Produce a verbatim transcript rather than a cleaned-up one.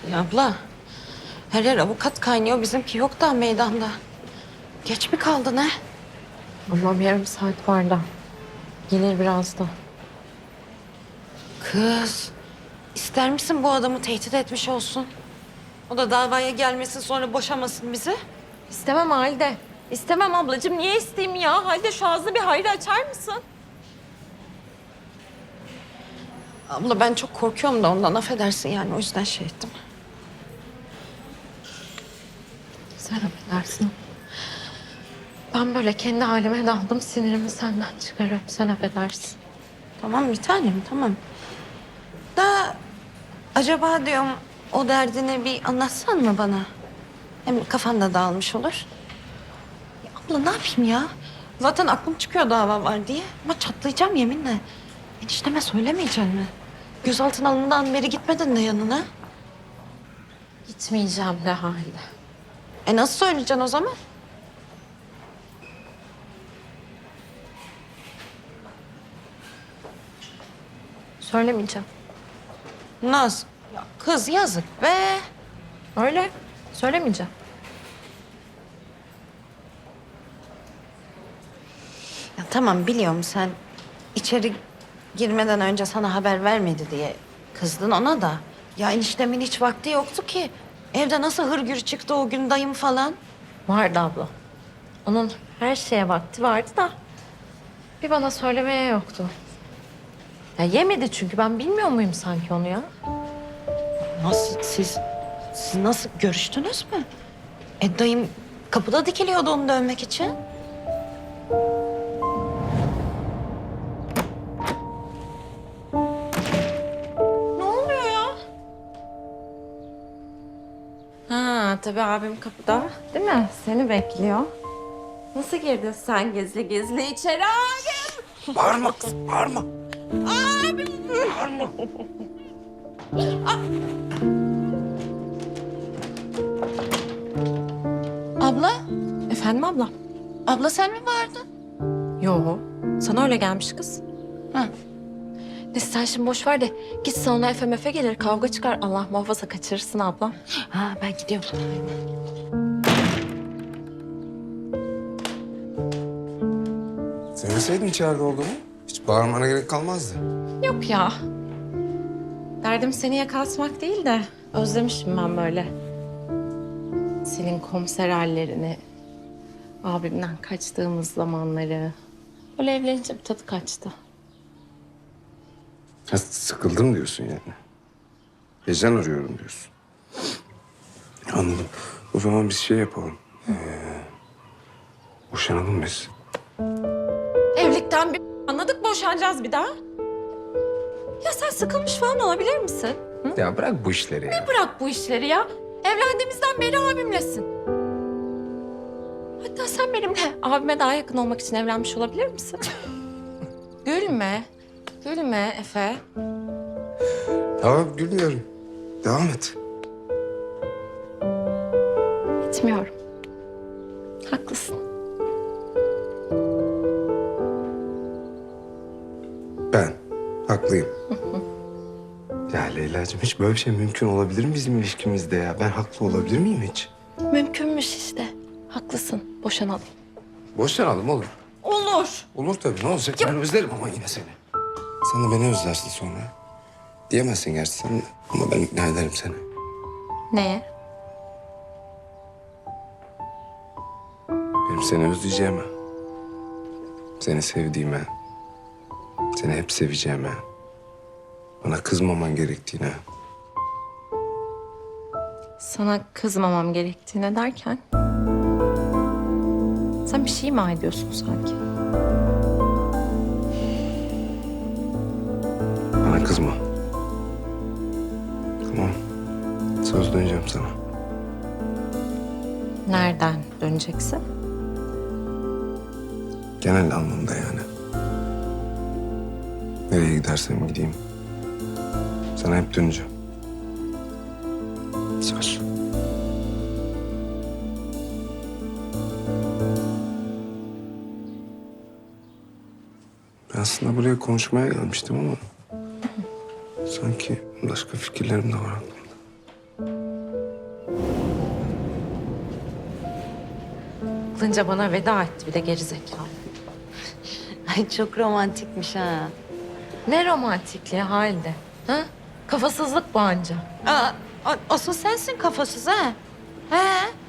Ya abla, her yer avukat kaynıyor. Bizimki yok daha meydanda. Geç mi kaldı ne? Allah'ım yarım saat var da. Gelir birazdan. Kız, ister misin bu adamı tehdit etmiş olsun? O da davaya gelmesin sonra boşamasın bizi. İstemem Halide. İstemem ablacığım. Niye isteyeyim ya? Halide şu ağzını bir hayır açar mısın? Abla ben çok korkuyorum da ondan affedersin yani o yüzden şey ettim. Sen affedersin. Ben böyle kendi halime daldım. Sinirimi senden çıkarıyorum. Sen affedersin. Tamam bir tanem tamam. Da acaba diyorum o derdini bir anlatsan mı bana? Hem kafan da dağılmış olur. Ya abla ne yapayım ya? Zaten aklım çıkıyor dava var diye. Ama çatlayacağım yeminle. Enişteme söylemeyeceksin mi? Gözaltına alındığından beri gitmedin de yanına. Gitmeyeceğim de Halide. E nasıl söyleyeceksin o zaman? Söylemeyeceğim. Nasıl? Ya kız yazık be. Öyle. Söylemeyeceğim. Ya tamam biliyorum sen içeri girmeden önce sana haber vermedi diye kızdın ona da. Ya eniştemin hiç vakti yoktu ki. Evde nasıl hırgür çıktı o gün dayım falan. Vardı abla. Onun her şeye vakti vardı da bir bana söylemeye yoktu. Ya yemedi çünkü ben bilmiyor muyum sanki onu ya? Nasıl siz, siz nasıl görüştünüz mü? E dayım kapıda dikiliyordu onu dövmek için. Ne oluyor ya? Ha tabii abim kapıda değil mi? Seni bekliyor. Nasıl girdin sen gizli gizli içeri abim? Bağırma kız, bağırma. Abim! Bağırma. Abla, Efendim abla? abla sen mi vardın? Yo, sana öyle gelmiş kız. Ha. Neyse sen şimdi boş ver de git salona Efe mefe gelir kavga çıkar. Allah muhafaza kaçırırsın abla. Ha ben gidiyorum. Söyleseydin içeride olduğumu hiç bağırmana gerek kalmazdı. Yok ya. Derdim seni yakaltmak değil de özlemişim ben böyle. Senin komiser hallerini, abimden kaçtığımız zamanları. Öyle evlenince bir tadı kaçtı. Ha, sıkıldım diyorsun yani. Heyecan arıyorum diyorsun. Anladım. O zaman biz şey yapalım. Ee, boşanalım biz. Evlilikten bir anladık boşanacağız bir daha. Ya sen sıkılmış falan olabilir misin? Hı? Ya bırak bu işleri ya. Bırak bu işleri ya. Evlendiğimizden beri abimlesin. Hatta sen benimle abime daha yakın olmak için evlenmiş olabilir misin? Gülme. Gülme Efe. Tamam gülmüyorum. Devam et. Etmiyorum. Haklısın. Ben haklıyım. Ya Leyla'cığım hiç böyle bir şey mümkün olabilir mi bizim ilişkimizde ya? Ben haklı olabilir miyim hiç? Mümkünmüş işte. Haklısın. Boşanalım. Boşanalım olur. Olur. Olur tabii ne olacak? Ben özlerim ama yine seni. Sen de beni özlersin sonra. Diyemezsin gerçi sen de. Ama ben ikna ederim seni. Neye? Benim seni özleyeceğime, seni sevdiğime, seni hep seveceğime, bana kızmaman gerektiğine. Sana kızmamam gerektiğine derken... Sen bir şey mi ediyorsun sanki? Bana kızma. Tamam. Söz döneceğim sana. Nereden döneceksin? Genel anlamda yani. Nereye gidersem gideyim. Sana hep döneceğim. Söz. Ben aslında buraya konuşmaya gelmiştim ama... sanki başka fikirlerim de var aklımda. Aklınca bana veda etti bir de gerizekalı. Ay çok romantikmiş ha. Ne romantikliği halde. Ha? Kafasızlık bu anca. Aa, a- asıl sensin kafasız ha. He.